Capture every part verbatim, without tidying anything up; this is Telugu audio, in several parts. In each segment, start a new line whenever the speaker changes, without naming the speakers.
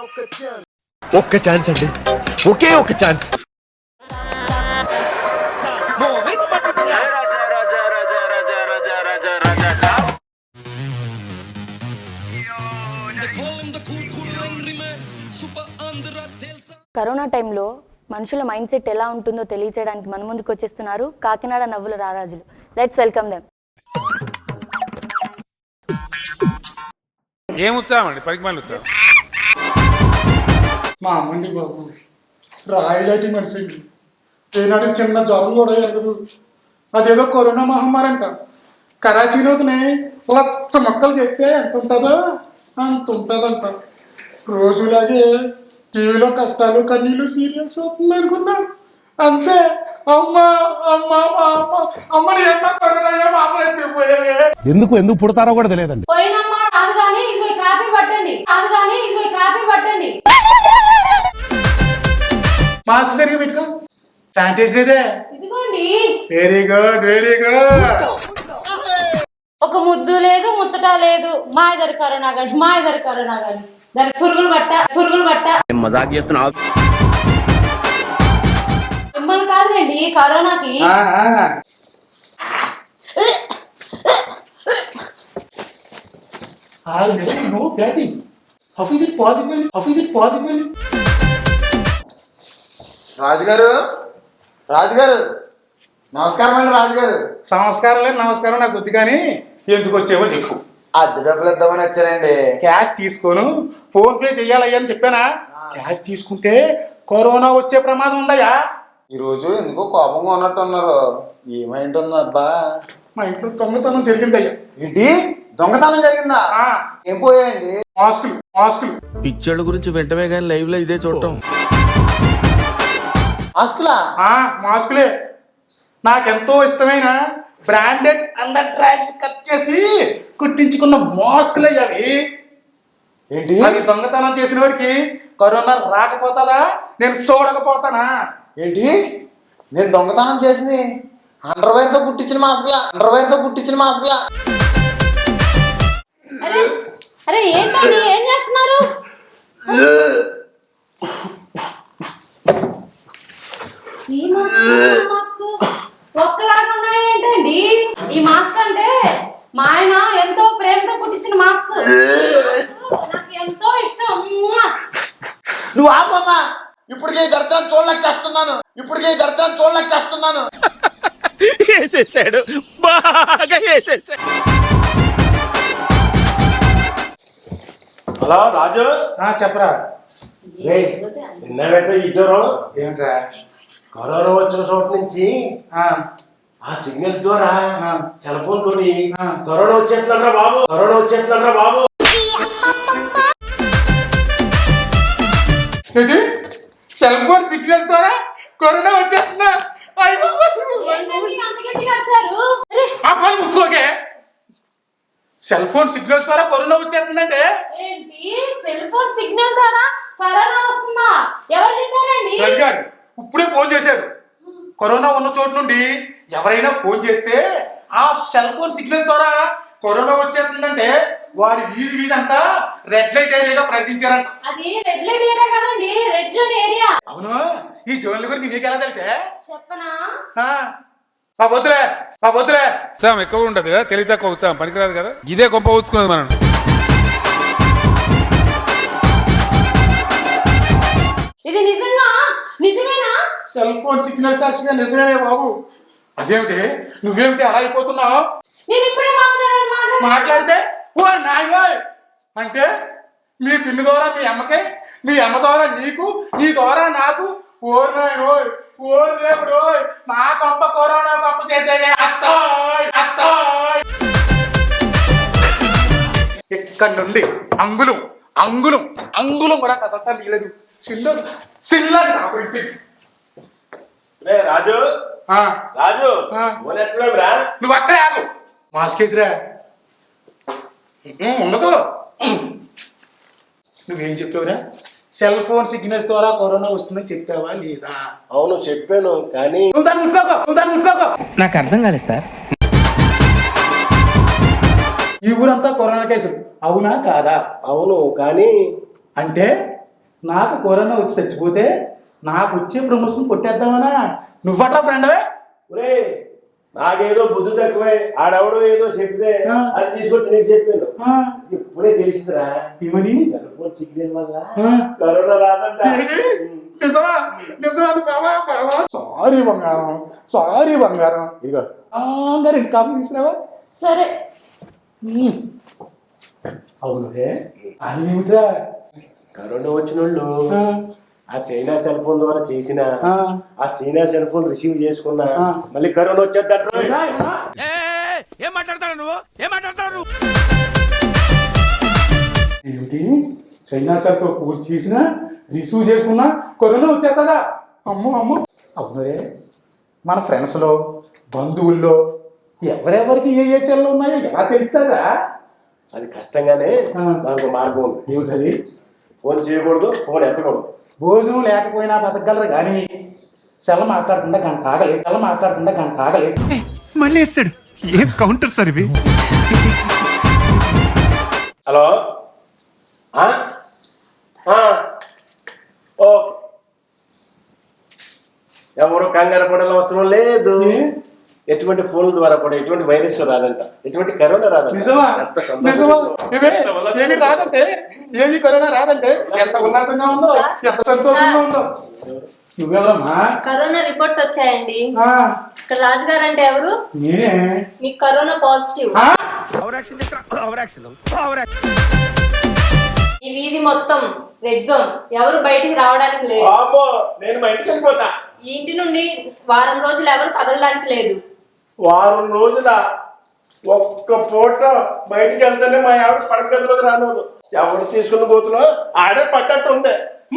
ఒక్క ఛాన్స్ అండి, ఒకే ఒక ఛాన్స్.
కరోనా టైంలో మనుషుల మైండ్ సెట్ ఎలా ఉంటుందో తెలియచేయడానికి మన ముందుకు వచ్చేస్తున్నారు కాకినాడ నవ్వుల రారాజులు. Let's welcome them.
ఏం ఉత్సాహం అండి, పనికి మళ్ళీ ఉత్సాహం.
మా అమ్మండి బాబు రాయిలాంటి మనిషి అండి. ఏనాడు చిన్న జ్వరం కూడా ఎరగదు. అదేదో కరోనా మహమ్మారి అంట. కరాచీలోకి లక్ష మొక్కలు చెప్తే ఎంత ఉంటుందో అంత ఉంటుందంట. రోజులాగే టీవీలో కష్టాలు కన్నీళ్ళు సీరియల్స్ అవుతుంది అనుకున్నా. అంతే అమ్మ అమ్మ అమ్మ అమ్మని అమ్మ కరోనా అమ్మ ఎత్తిపోయావే.
ఎందుకు ఎందుకు పుడతారో కూడా తెలియదండి.
మాస్క్ సరిగా పెట్టుకో, శానిటైజర్ ఇదే. Very good very good.
ఒక ముద్దు లేదు ముచ్చట లేదు. మా ఇద్దరు కరోనా గాని మా ఇద్దరు కరోనా గాని దానికి పురుగులు పట్ట పురుగులు పట్ట
మజాక్ చేస్తున్నావు.
మిమ్మల్ని కాదులేండి కరోనాకి.
No batting. How is it possible? How is it possible?
రాజుగారు రాజుగారు నమస్కారం అండి. రాజుగారు
నమస్కారం లేదు నమస్కారం నాకు వద్దు, కానీ ఎందుకు వచ్చేవో చెప్పు.
అద్దె డబ్బులు ఇద్దామని వచ్చానండి.
క్యాష్ తీసుకోను, ఫోన్ పే చెయ్యాలయ్యా అని చెప్పానా? క్యాష్ తీసుకుంటే కరోనా వచ్చే ప్రమాదం ఉందయ్యా.
ఈరోజు ఎందుకో కోపంగా ఉన్నట్టు ఉన్నారు. ఏమైంటుంది అబ్బా?
మా ఇంట్లో దొంగతనం జరిగిందయ్యా.
ఏంటి దొంగతనం జరిగిందా? ఏం పోయాయండి?
మాస్కులు మాస్కులు.
పిక్చర్ల గురించి వెంటనే కానీ లైవ్ లో ఇదే చూడటం.
మాస్కులా?
మాస్కులే. నాకెంతో ఇష్టమైన బ్రాండెడ్ అండర్ ట్రాక్ కట్ చేసి కుట్టించుకున్న మాస్కులు అయ్యావి.
ఏంటి
అది దొంగతనం చేసిన వాడికి కరోనా రాకపోతుందా? నేను చూడకపోతానా?
ఏంటి నేను దొంగతనం చేసింది అండర్వేర్ తో కుట్టించిన మాస్కులా? అండర్వేర్ తో కుట్టించిన మాస్కులా?
అరే అరే ఏంటండి ఏం చేస్తున్నారు? ఈ మాస్క్ ఒక్కలాగా ఉన్నాయి ఏంటండి? ఈ మాస్క్ అంటే మా ఆయన ఎంతో ప్రేమతో కుట్టించిన మాస్క్. నాకు ఎంతో ఇష్టం.
నువ్వు ఆపమ్మా. ఇప్పటికే దర్శనం చూడలేక చేస్తున్నాను. ఇప్పటికే దర్శనం చూడలేక చేస్తున్నాను.
వేసేసాడు, బాగా వేసేసాడు.
హలో రాజు,
చెప్పరా.
నిన్నబెట్ట ఈ జ్వరం
ఏంట్రా?
కరోనా వచ్చిన చోట నుంచి ఆ సిగ్నల్స్ ద్వారా సెల్ ఫోన్ తోని కరోనా వచ్చేస్తున్నారా బాబు, కరోనా వచ్చేస్తున్నారా బాబు.
ఏంటి? సెల్ ఫోన్ సిగ్నల్స్ ద్వారా కరోనా వచ్చేస్తుందా? ముట్టుకోకే. సెల్ ఫోన్ సిగ్నల్స్ ద్వారా కరోనా వచ్చేస్తుందంటే
ఏంటి? సెల్ ఫోన్ సిగ్నల్ ద్వారా కరోనా వస్తుందా? ఎవరు చెప్పారండి?
ఇప్పుడే ఫోన్ చేశారు. కరోనా ఉన్న చోటు నుండి ఎవరైనా ఫోన్ చేస్తే ఆ సెల్ ఫోన్ సిగ్నల్స్ ద్వారా కరోనా వచ్చేస్తుందంటే వారి వీధి వీధి అంతా రెడ్ లైట్ ఏరియాగా ప్రకటించారంట.
అది రెడ్ లైట్ ఏరియా కదండి, రెడ్ జోన్ ఏరియా.
అవును. ఈ జోన్ల గురించి నీకు ఎలా తెలుసా?
చెప్పనా?
ఆ వద్దులే ఆ వద్దులే.
ఉత్సాహం ఎక్కువ ఉంటది కదా, తెలివి తక్కువ ఉత్సాహం పనికిరాదు కదా. ఇదే గొప్ప ఊచుకున్నది మనం.
ఇది నిజంగా నిజమేనా?
సెల్ ఫోన్ సిగ్నల్ సాక్షిగా నిజమేనే బాబు. అదేమిటి నువ్వేమిటి అలా అయిపోతున్నావు?
నేను ఇప్పుడే
మాట్లాడితే ఓ నాయో అంటే మీ పిన్ని ద్వారా మీ అమ్మకి, మీ అమ్మ ద్వారా నీకు, నీ ద్వారా నాకు. ఓర్ నాయో ఓర్ దేవుడు, నా కొంప కరోనా కొంప చేసేవే అత్తోయ్ అత్తోయ్. ఇక్కడ నుండి అంగుళం అంగుళం అంగుళం కూడా కదట నీలేదు. సిల్ల సిల్లది కాబట్టి
రాజు రాజు
నువ్వు అక్కడే ఆగు. మాస్క్ ఎదురా ఉండదు. నువ్వేం చెప్పావురా? సెల్ ఫోన్ సిగ్నల్స్ ద్వారా కరోనా వస్తుందని చెప్పావా లేదా?
అవును చెప్పాను, కానీ
నువ్వు దాన్ని ముట్టుకోకు, నువ్వు దాన్ని ముట్టుకోకు.
నాకు అర్థం కాలేదు సార్.
ఈ ఊరంతా కరోనా కేసులు అవునా కాదా?
అవును, కానీ
అంటే నాకు కరోనా వచ్చి చచ్చిపోతే నాకు వచ్చే ప్రమోషన్ కొట్టేద్దామనా? నువ్వట్లా ఫ్రెండ్వే?
ఒరే నాకేదో బుద్ధి తక్కువే, ఆడెవడో ఏదో చెప్తే
ఆ.
అది తీసుకొచ్చి నీకు చెప్పాను.
ఆ,
ఇప్పుడే తెలిసిందిరా
ఏమని?
సెల్ ఫోన్ సిగ్నల్ వల్ల
ఆ.
కరోనా రాదంట.
ఏంటి? నిజమా? నిజమా బాబా? బాబా సారీ బంగారం, సారీ బంగారం. ఇదిగో అందరు ఇంటి కాఫీ తీసుకురావా?
సరే.
ఉమ్. అవును అది ఏమిట్రా?
కరోనా వచ్చిన వాళ్ళు
ఆ,
ఆ చైనా సెల్ ఫోన్ ద్వారా చేసిన
ఆ.
ఆ చైనా సెల్ ఫోన్ రిసీవ్ చేసుకున్నా
ఆ.
మళ్ళీ కరోనా వచ్చేద్దంట.
ఇలా, ఇలా.
ఏం మాట్లాడతాడు నువ్వు ఏం మాట్లాడతాడు నువ్వు
ఏమిటి? చైనా సార్తో పూజ చేసిన రిసీవ్ చేసుకున్నా కరోనా వచ్చేస్తుందా? అమ్మో అమ్మో. అవునరే, మన ఫ్రెండ్స్లో బంధువుల్లో ఎవరెవరికి ఏ ఏ సెల్లు ఉన్నాయో ఎలా తెలుస్తారా?
అది కష్టంగానే
ఆ.
దానికి ఒక మార్గం ఉంది.
ఏమిటది?
ఫోన్ చేయకూడదు, ఫోన్ ఎత్తకూడదు.
భోజనం లేకపోయినా బతకగలరు కానీ సెల్ల మాట్లాడకుండా గంట ఆగలేదు. సెల్ల మాట్లాడకుండా గంట ఆగలేదు.
మళ్ళీ వేస్తాడు. ఏం కౌంటర్ సార్ ఇవి?
హలో ఆ? ఆ. ఓకే, ఎవరు కంగారు పడాల్సిన అవసరం లేదు.
ఏ?
ఎటువంటి ఫోన్ల ద్వారా కూడా ఎటువంటి వైరస్ రాదంట, ఎటువంటి కరోనా రాదంట.
నిజమా?
ఎంత సంతోషం.
నిజమా? ఇవే
ఎంత ఉల్లాసం.
ఏమి రాదంటే ఏమి కరోనా రాదంటే ఎంత ఉల్లాసంగా ఉందో, ఎంత సంతోషంగా ఉందో. నువ్వెవరమ్మా?
కరోనా రిపోర్ట్స్ వచ్చాయండి.
ఆ,
ఇక్కడ రాజుగారు అంటే ఎవరు?
నేనే.
మీకు కరోనా పాజిటివ్.
ఆ?
ఓవరాక్షన్ ఓవరాక్షన్ ఓవరాక్షన్
ఈ వీధి మొత్తం రెడ్ జోన్. ఎవరు బయటికి రావడానికి లేదు.
అమ్మో, నేను మా ఇంటికి వెళ్ళిపోతా.
ఈ ఇంటి నుండి వారం రోజులు ఎవరు కదలడానికి లేదు.
వారం రోజుల ఒక్క పూట బయటికి వెళ్తేనే మా ఆవిడ పడగదిలోకి రానోదు. ఎవరు తీసుకుని పోతున్నా ఆడే పట్టట్టు ఉంది.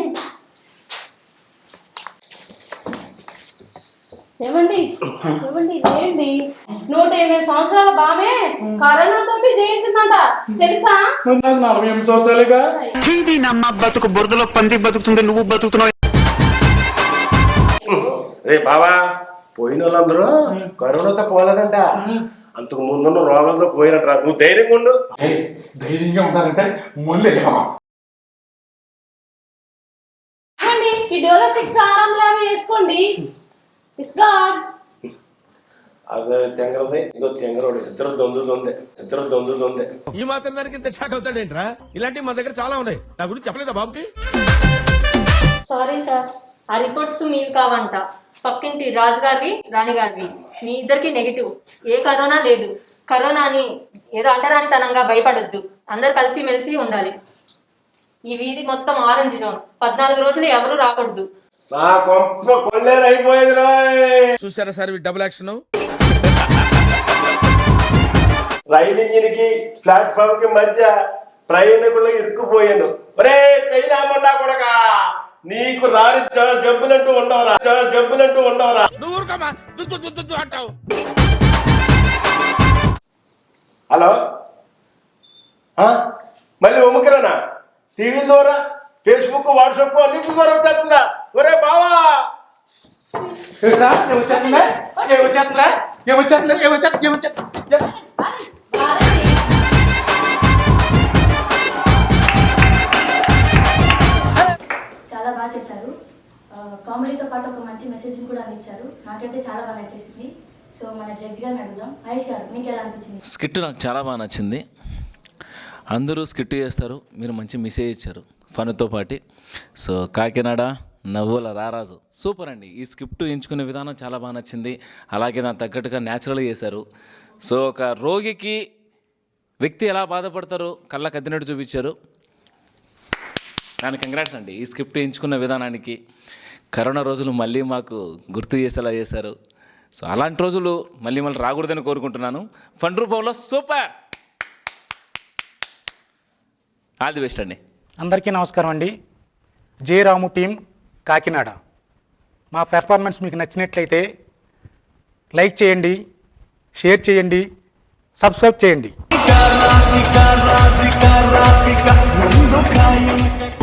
ఏమండి ఏమండి ఏంటి? నూట ఎనిమిది సంవత్సరాల బామే కరోనా తోటి జయించిందంట, తెలుసా?
నాకు నలభై ఎనిమిది సంవత్సరాలుగా.
నమ్మ బతుకు బురదలో పంది బతుకుతుంది, నువ్వు బతుకుతున్నావు.
రే బావా, పోయిన వాళ్ళందరూ కరోనాతో పోలేదంట, అంతకు ముందున్న రోగాలతో పోయినట్రా. నువ్వు ధైర్యంగా ఉండు.
ఏయ్, ధైర్యంగా ఉంటారంటే ముందే
ఏమండి ఈ డోలో సిక్స్ ఆరు వందల యాభై వేసుకోండి. It's God.
అదే తెంగరది, ఇదో తెంగరోడు. ఇద్దరు దొందు దొందే, ఇద్దరు దొందు దొందే.
ఈ మాత్రం దానికి ఇంత షాక్ అవుతాడేంట్రా? ఇలాంటివి మన దగ్గర చాలా ఉన్నాయి. నా గురించి చెప్పలేదా బాబుకి?
సారీ సార్, ఆ రిపోర్ట్స్ మీవి కావంట. పక్కింటి రాజుగారివి, రాణిగారివి. మీ ఇద్దరికి నెగిటివ్. ఏ కరోనా లేదు. కరోనా అని ఏదో అంటరానితనంగా భయపడొద్దు. అందరు కలిసి మెలిసి ఉండాలి. ఈ వీధి మొత్తం ఆరెంజ్ జోన్. పద్నాలుగు రోజులు ఎవరు రాకూడదు.
నా కొంప కొల్లేరు అయిపోయింది రాయ్.
చూసారా సార్ డబుల్ యాక్షన్.
రైలు ఇంజిన్ కి ప్లాట్ఫామ్ కి మధ్య ప్రయాణికులు ఇరుక్కుపోయాను. ఒరే చైనా మొండా కొడకా, నీకు రాని జ- జబ్బులంటూ ఉండవురా, జ- జబ్బులంటూ ఉండవురా.
నువ్వు ఊరుకోమా, దుద్దు దుద్దు దుద్దు అంటావు.
హలో ఆ? మళ్ళీ ఉమ్మకిరానా? టీవీ ద్వారా, ఫేస్బుక్, వాట్సాప్ అన్నింటి ద్వారా వచ్చేస్తుందా? ఒరే బావా,
ఏమిట్రా? ఏమొచ్చేస్తుందా? ఏమొచ్చేస్తుందా? ఏమొచ్చేస్తుందా? ఏమొచ్చేస్తుందా? ఏమొచ్చేస్తుందా?
బాలండి.
చాలా బాగా చేశారు. కామెడీతో పాటు ఒక మంచి మెసేజ్ కూడా అందించారు. నాకైతే చాలా బాగా నచ్చేసింది. సో మన జడ్జి గారిని అడుగుదాం. మహేష్ గారు, మీకు ఎలా అనిపించింది?
స్కిట్ నాకు చాలా బాగా నచ్చింది. అందరూ స్కిట్ చేస్తారు, మీరు మంచి మెసేజ్ ఇచ్చారు ఫన్తో పాటు. సో కాకినాడ నవ్వుల రారాజు సూపర్ అండి. ఈ స్క్రిప్ట్ ఎంచుకునే విధానం చాలా బాగా నచ్చింది. అలాగే దాని తగ్గట్టుగా న్యాచురల్గా చేశారు. సో ఒక రోగికి వ్యక్తి ఎలా బాధపడతారో కళ్ళకు అద్దినట్టు చూపించారు. దానికి కంగ్రాట్స్ అండి. ఈ స్క్రిప్ట్ ఎంచుకున్న విధానానికి కరోనా రోజులు మళ్ళీ మాకు గుర్తు చేసేలా చేశారు. సో అలాంటి రోజులు మళ్ళీ మళ్ళీ రాకూడదని కోరుకుంటున్నాను. ఫన్ రూపంలో సూపర్. ఆల్ ది బెస్ట్ అండి.
అందరికీ నమస్కారం అండి. J Ramu team Kakinada. మా పెర్ఫార్మెన్స్ మీకు నచ్చినట్లయితే లైక్ చేయండి, షేర్ చేయండి, సబ్స్క్రైబ్ చేయండి.